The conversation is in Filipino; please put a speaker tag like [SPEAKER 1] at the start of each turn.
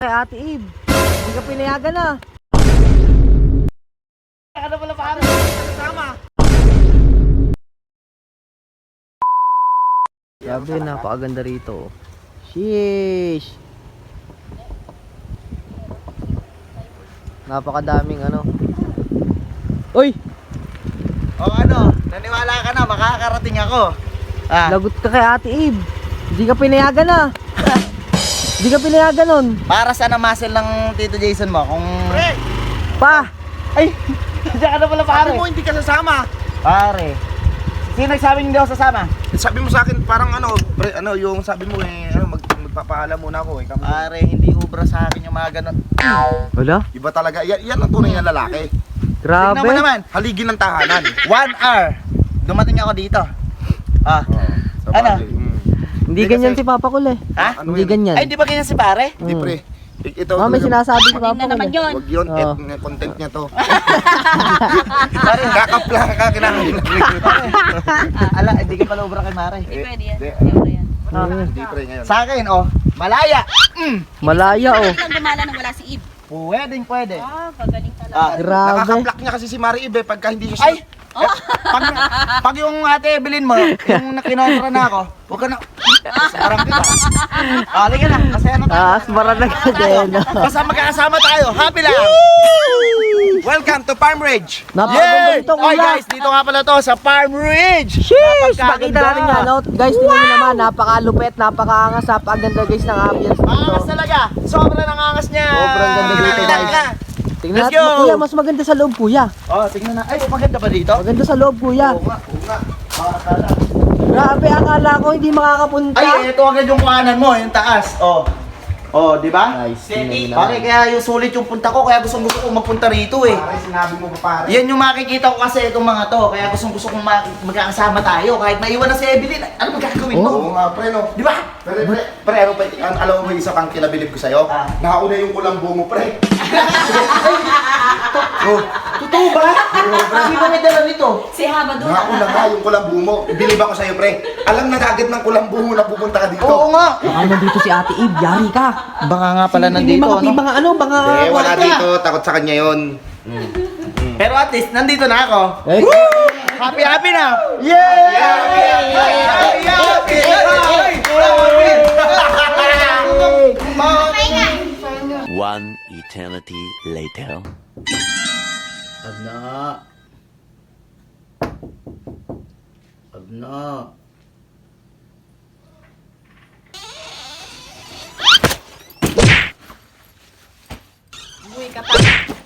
[SPEAKER 1] Kay Ate Eve, hindi ka pinayagan na.
[SPEAKER 2] Ano pala paano? Kasama.
[SPEAKER 1] Sabi, napakaganda rito. Sheesh! Napakadaming ano. Uy!
[SPEAKER 2] O ano, naniwala ka na, makakarating ako.
[SPEAKER 1] Lagot ka kay Ate Eve. Hindi ka pinayagan na. Hindi ka pinayagan nun.
[SPEAKER 2] Para saan ang muscle ng Tito Jason mo? Kung... Pre!
[SPEAKER 1] Pa!
[SPEAKER 2] Ay! Diyan ka na pala pare.
[SPEAKER 3] Sabi mo hindi ka sasama.
[SPEAKER 2] Pare. Sino nagsabing hindi ako sasama?
[SPEAKER 3] Sabi mo sa akin parang ano, pre, ano yung sabi mo magpapaalam muna ako eh.
[SPEAKER 2] Pare, hindi ubra sa akin yung mga ganun.
[SPEAKER 1] Wala?
[SPEAKER 3] Iba talaga. Yan ang tunay na lalaki.
[SPEAKER 1] Grabe.
[SPEAKER 2] Tignan mo naman.
[SPEAKER 3] Haligi ng tahanan.
[SPEAKER 2] 1 hour. Dumating ako dito. Ano?
[SPEAKER 1] Hindi ganyan si Papa Kul eh.
[SPEAKER 2] Ha?
[SPEAKER 3] Ano
[SPEAKER 1] Hindi
[SPEAKER 3] yun?
[SPEAKER 1] ganyan.
[SPEAKER 2] Ay, di ba ganyan si pare?
[SPEAKER 3] Hindi pre. Ito
[SPEAKER 1] May sinasabi si Papa Kul eh.
[SPEAKER 3] Wag yun,
[SPEAKER 1] Oo.
[SPEAKER 3] content niya to.
[SPEAKER 2] Pare,
[SPEAKER 3] Kakapla ka kinakain.
[SPEAKER 2] ala, hindi ka pala ubra kay Mare.
[SPEAKER 4] Hindi pwede yan.
[SPEAKER 3] Hindi.
[SPEAKER 4] Hindi pwede yan.
[SPEAKER 3] Hindi pre ngayon.
[SPEAKER 2] Sa akin, oh, malaya.
[SPEAKER 1] Malaya oh.
[SPEAKER 4] Pwede lang gumala nang wala si Eve.
[SPEAKER 2] Pwedeng pwede.
[SPEAKER 4] Pagaling talaga.
[SPEAKER 1] Grabe.
[SPEAKER 3] Nakakaplak niya kasi si Mari Ibe pagka hindi siya.
[SPEAKER 2] Ay! Pag yung ate Evelyn mo, yung nakinontra na ako, huwag ka na, sarang kita. Halika na, masaya na tayo.
[SPEAKER 1] Asmara na ka din.
[SPEAKER 2] Basta magkakasama tayo, happy lang!
[SPEAKER 3] Welcome to Farm Ridge.
[SPEAKER 1] Napakaganda
[SPEAKER 2] Yay!
[SPEAKER 1] dito
[SPEAKER 2] Oy
[SPEAKER 1] kuya.
[SPEAKER 2] guys, dito nga pala to sa Farm Ridge!
[SPEAKER 1] Sheesh!
[SPEAKER 2] Napakaganda.
[SPEAKER 1] Pakita natin nga no. Guys, tingnan nyo naman. Napakalupet, napakaangas, napakaganda guys ng ambience dito.
[SPEAKER 2] Angas talaga, sobrang nangangas niya.
[SPEAKER 1] Sobrang ganda dito,
[SPEAKER 2] Tingnan
[SPEAKER 1] guys.
[SPEAKER 2] ka.
[SPEAKER 1] Tingnan
[SPEAKER 2] Let's
[SPEAKER 1] natin
[SPEAKER 2] go!
[SPEAKER 1] kuya, mas maganda sa loob kuya.
[SPEAKER 2] Oh, tingnan na. Ay, maganda ba dito?
[SPEAKER 1] Maganda sa loob kuya.
[SPEAKER 3] Oo nga.
[SPEAKER 1] Grabe, akala ko hindi makakapunta.
[SPEAKER 2] Ay, ito agad yung kuhanan mo, yung taas. Oh. Oh, di ba?
[SPEAKER 1] Nice, tingnan nyo
[SPEAKER 2] Pare, kaya yung sulit yung punta ko, kaya gusto ko magpunta rito eh.
[SPEAKER 3] Pare, sinabi mo pa pare.
[SPEAKER 2] Yan yung makikita ko kasi itong mga to, kaya gusto kong magkakasama tayo. Kahit maiwan na si Evelyn, ano magagawin mo?
[SPEAKER 3] Oo nga pre no.
[SPEAKER 2] Di ba?
[SPEAKER 3] Pre, ano pa, alam mo ba isa pang kinabilib ko sa'yo?
[SPEAKER 2] Ah.
[SPEAKER 3] Nauna yung kulambo mo pre. Oh,
[SPEAKER 2] Totoo ba? Sino may dala nito?
[SPEAKER 4] Si Haba doon.
[SPEAKER 3] nauna nga yung kulambo mo. Bilib ako sa'yo pre. Alam na agad ng kulambo mo na pupunta ka dito.
[SPEAKER 2] Oo nga.
[SPEAKER 1] Baka nandito si Ate Eve, yari ka.
[SPEAKER 2] Baka nga pala
[SPEAKER 1] Hindi
[SPEAKER 2] nandito,
[SPEAKER 1] mga
[SPEAKER 2] ano?
[SPEAKER 1] ano, mga
[SPEAKER 3] Eh, wala
[SPEAKER 2] Wala.
[SPEAKER 3] dito. Takot sa kanya yun.
[SPEAKER 2] Pero at least, nandito na ako.
[SPEAKER 1] Eh,
[SPEAKER 2] Happy, happy na! Yay!
[SPEAKER 5] One eternity later.
[SPEAKER 2] Abna. Abna.
[SPEAKER 4] Uy ka pa.